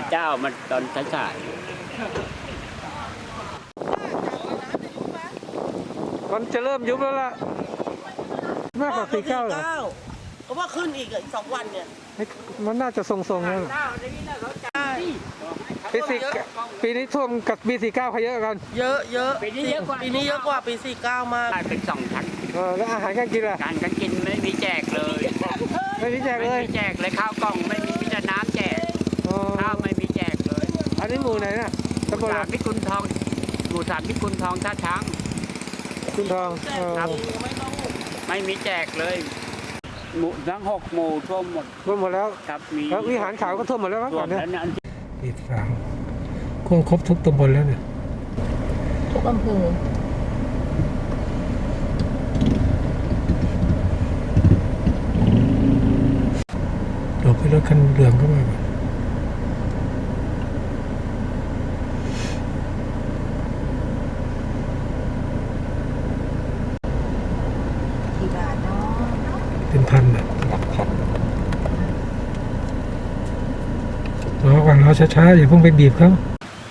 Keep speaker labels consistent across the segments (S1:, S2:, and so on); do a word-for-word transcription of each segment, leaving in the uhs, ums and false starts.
S1: เจ้ามันตอนสาย
S2: มันจะเริ่มยุบแล้วล่ะมากกว่าสี่เก้าเหรอ
S3: ก็ว่าขึ้นอีกอีกสองวันเนี่ย
S2: มันน่าจะทรงๆแล้วปีสี่ปีนี้ท่วมกับปีสี่เก้าใครเยอะกัน
S3: เยอะเยอะ
S1: ปีนี้เยอะกว่า
S3: ปีนี้เยอะกว่าปีสี่เก้ามาก
S1: เป็นสองชั้น
S2: เออแล้วอาหารการกินล่ะ
S1: การการกินไม่มีแจกเลย
S2: ไม่มีแจกเลย
S1: ไม่มีแจกเลยข้าวกล่องไม่มีมีแต่น้ำแจกข้าวไม่มีแจกเลย
S2: อันนี้หมู่ไหนน่ะ
S1: ตำบลพิกุลทองหมู่สามพิกุลทองท่าช้าง
S2: คุณทอง
S1: ครับไม่มีแจกเลยหมู่ทั้งหกหมู่ท่วมหมด
S2: ท่วมหมดแล้ว
S1: ครับมี
S2: แล้ววิหารขาวก็ท่วมหมดแล้วมั้งก่อนเนี่ย
S4: ปิดฝังคงครบทุกตำบลแล้วเนี่ย
S5: ทุกอำเภอ
S4: หลบให้รถคันเหลืองเข้ามา
S5: กี่บาทเนาะ
S4: เป็นพันอ่ะรอก่อนรอช้าๆอย่าเพิ่งไปบีบเขา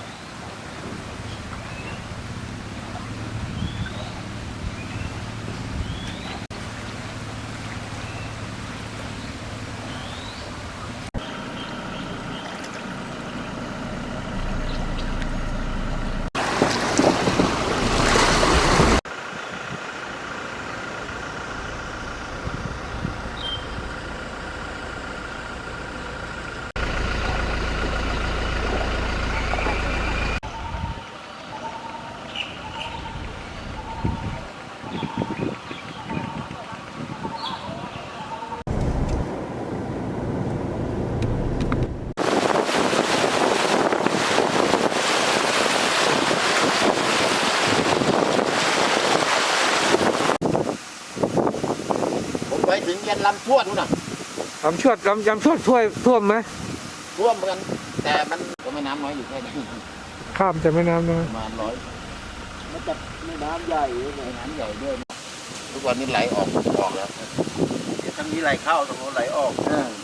S6: ไปถึงยันลำชวดนู่นน่ะ
S2: ลำชวดลำลำชวดท่วมท่วมไหม
S6: ท่วมเหมือนกันแต่มันก็ไม่น้ำน้อยอยู่แค่นี้
S2: ข้ามจะไม่น้ำน้อย
S6: ประมาณร้อยมันจะไม่น้ำใหญ่เลยน้ำใหญ่ด้วยทุกวันนี้ไหลออกออกแล้วเดี๋ยวทั้งนี้ไหลเข้าตรงโน้นไหลออก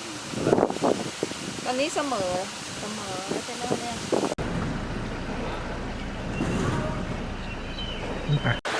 S5: ตอนนี้เสมอเสมอแล้วจะเริ่มเนี่ย